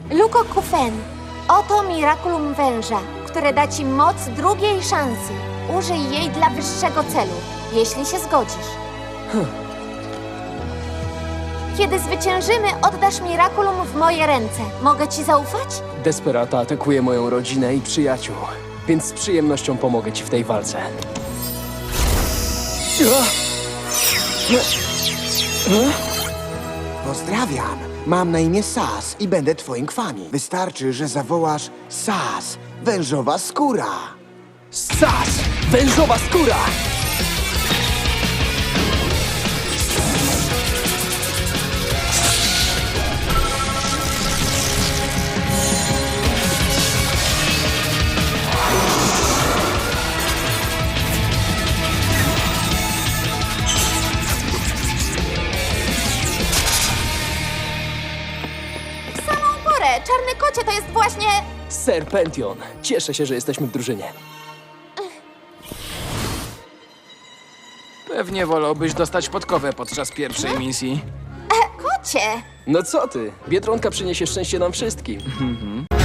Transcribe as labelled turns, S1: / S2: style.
S1: Luko Kufen, oto Miraculum Węża, które da ci moc drugiej szansy. Użyj jej dla wyższego celu, jeśli się zgodzisz. Kiedy zwyciężymy, oddasz Miraculum w moje ręce. Mogę ci zaufać?
S2: Desperata atakuje moją rodzinę i przyjaciół, więc z przyjemnością pomogę ci w tej walce.
S3: Pozdrawiam. Mam na imię Sas i będę twoim kwami. Wystarczy, że zawołasz Sas, wężowa skóra.
S2: Sas! Wężowa skóra!
S1: W samą porę! Czarny kocie to jest właśnie...
S2: Serpention. Cieszę się, że jesteśmy w drużynie.
S4: Pewnie wolałbyś dostać podkowę podczas pierwszej misji.
S1: Kocie!
S2: No co ty? Biedronka przyniesie szczęście nam wszystkim.